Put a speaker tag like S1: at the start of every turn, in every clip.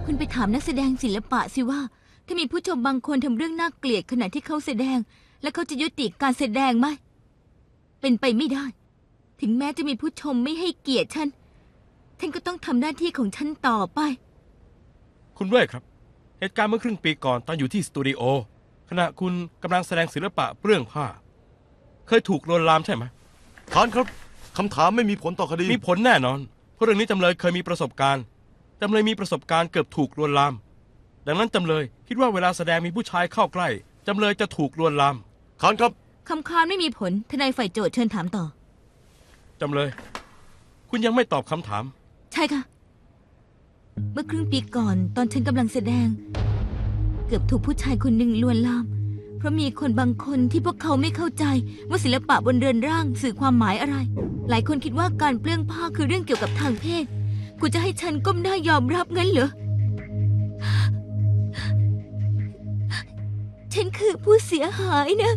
S1: คุณไปถามนักแสดงศิลปะสิว่าถ้ามีผู้ชมบางคนทำเรื่องน่าเกลียดขณะที่เขาแสดงและเขาจะยุติการแสดงไหมเป็นไปไม่ได้ถึงแม้จะมีผู้ชมไม่ให้เกียรติฉันก็ต้องทำหน้าที่ของฉันต่อไป
S2: คุณเว่ยครับเหตุการณ์เมื่อครึ่งปีก่อนตอนอยู่ที่สตูดิโอขณะคุณกำลังแสดงศิลปะเปลื้องผ้าเคยถูกลวนลามใช่ไหม
S3: ท่านครับคำถามไม่มีผลต่อคดี
S2: มีผลแน่นอนเพราะเรื่องนี้จำเลยเคยมีประสบการณ์จำเลยมีประสบการณ์เกือบถูกลวนลามดังนั้นจำเลยคิดว่าเวลาแสดงมีผู้ชายเข้าใกล้จำเลยจะถูกลวนลาม
S3: ท่านครับ
S1: คำค้านไม่มีผลทนายฝ่ายโจทก์เชิญถามต่อ
S2: จำเลยคุณยังไม่ตอบคำถาม
S1: ใช่ค่ะเมื่อครึ่งปีก่อนตอนฉันกำลังแสดงเกือบถูกผู้ชายคนหนึ่งลวนลามเพราะมีคนบางคนที่พวกเขาไม่เข้าใจว่าศิลปะบนเรือนร่างสื่อความหมายอะไรหลายคนคิดว่าการเปลื้องผ้าคือเรื่องเกี่ยวกับทางเพศคุณจะให้ฉันก้มหน้ายอมรับงั้นเหรอฉันคือผู้เสียหายนะ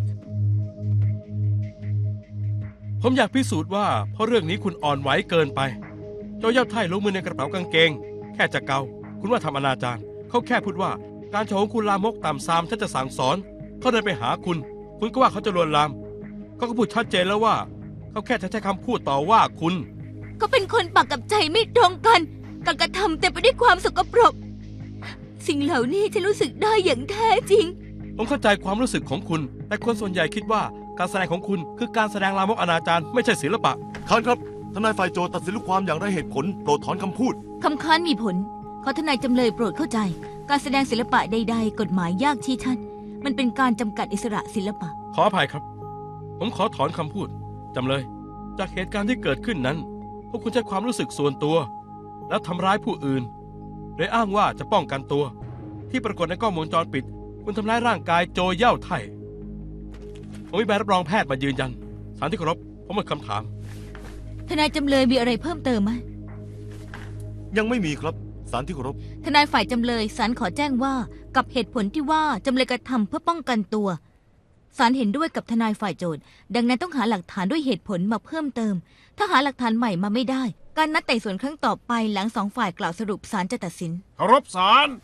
S2: ผมอยากพิสูจน์ว่าเพราะเรื่องนี้คุณอ่อนไหวเกินไปโจเย่าไท่ลงมือในกระเป๋ากางเกงแค่จะเกาคุณว่าทำอนาจารเขาแค่พูดว่าการโชว์ของคุณลามกต่ำซามฉันจะสั่งสอนเขาเดินไปหาคุณก็ว่าเขาจะลวนลามเขาก็พูดชัดเจนแล้วว่าเขาแค่จะใช้คำพูดต่อว่าคุณ
S1: เขาเป็นคนปากกับใจไม่ตรงกันการกระทำเต็มไปด้วยความสกปรกสิ่งเหล่านี้ฉันรู้สึกได้อย่างแท้จริง
S2: ผมเข้าใจความรู้สึกของคุณแต่คนส่วนใหญ่คิดว่าการแสดงของคุณคือการแสดงลามกอนาจารไม่ใช่ศิลปะ
S3: ท่านครับทนายฝ่ายโจทก์ตัดสินลูกความอย่างไรเหตุผลโปรดถอนคำพูด
S1: คำค้านมีผลขอทนายจำเลยโปรดเข้าใจการแสดงศิลปะใดๆกฎหมายยากชี้ชัดมันเป็นการจำกัดอิสระศิลปะ
S2: ขออภัยครับผมขอถอนคำพูดจำเลยจากเหตุการณ์ที่เกิดขึ้นนั้นพวกคุณใช้ความรู้สึกส่วนตัวแล้วทำร้ายผู้อื่นโดยอ้างว่าจะป้องกันตัวที่ปรากฏในกล้องวงจรปิดคุณทำร้ายร่างกายโจเย่าไท่ผมมีใบรับรองแพทย์มายืนยันศาลที่เคารพผมหมดคำถาม
S1: ทนายจำเลยมีอะไรเพิ่มเติมไหม
S3: ยังไม่มีครับศาลที่เคารพ
S1: ทนายฝ่ายจำเลยศาลขอแจ้งว่ากับเหตุผลที่ว่าจำเลยกระทำเพื่อป้องกันตัวศาลเห็นด้วยกับทนายฝ่ายโจทก์ดังนั้นต้องหาหลักฐานด้วยเหตุผลมาเพิ่มเติมถ้าหาหลักฐานใหม่มาไม่ได้การนัดไต่สวนครั้งต่อไปหลังสองฝ่ายกล่าวสรุปศาลจะตัดสิน
S4: เคารพศาล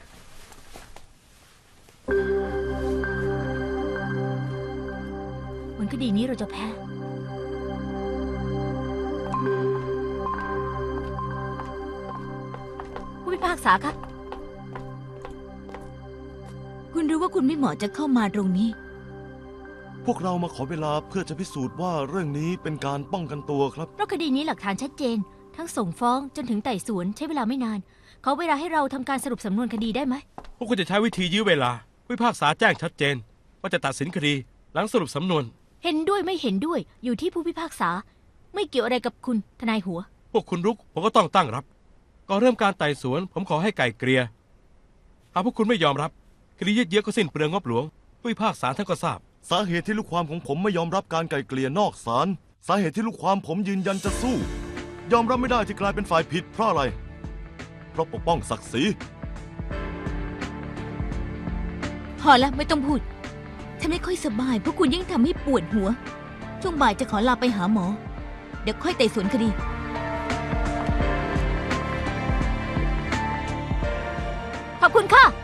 S1: ผลคดีนี้เราจะแพ้ผู้พิพากษาคะคุณรู้ว่าคุณไม่เหมาะจะเข้ามาตรงนี้
S3: พวกเรามาขอเวลาเพื่อจะพิสูจน์ว่าเรื่องนี้เป็นการป้องกันตัวครับ
S1: เพราะคดีนี้หลักฐานชัดเจนทั้งส่งฟ้องจนถึงไต่สวนใช้เวลาไม่นานขอเวลาให้เราทำการสรุปสำนวนคดีได้ไหม
S2: พวกคุณจะใช้วิธียื้อเวลาผู้พิพากษาแจ้งชัดเจนว่าจะตัดสินคดีหลังสรุปสำนวน
S1: เห็นด้วยไม่เห็นด้วยอยู่ที่ผู้พิพากษาไม่เกี่ยวอะไรกับคุณทนายหัว
S2: พวกคุณรุกผมก็ต้องตั้งรับก่อนเริ่มการไต่สวนผมขอให้ไก่เกลี่ยหากพวกคุณไม่ยอมรับคดียืดเยื้อก็สิ้นเปลืองงบหลวงผู้พิพากษาท่านก็ทราบ
S3: สาเหตุที่ลูกความของผมไม่ยอมรับการไกล่เกลี่ยนอกศาลสาเหตุที่ลูกความผมยืนยันจะสู้ยอมรับไม่ได้ที่กลายเป็นฝ่ายผิดเพราะอะไรเพราะปกป้องศักดิ์ศรี
S1: พอแล้วไม่ต้องพูดฉันไม่ค่อยสบายเพราะคุณยิ่งทำให้ปวดหัวช่วงบ่ายจะขอลาไปหาหมอเดี๋ยวค่อยไต่สวนคดีขอบคุณค่ะ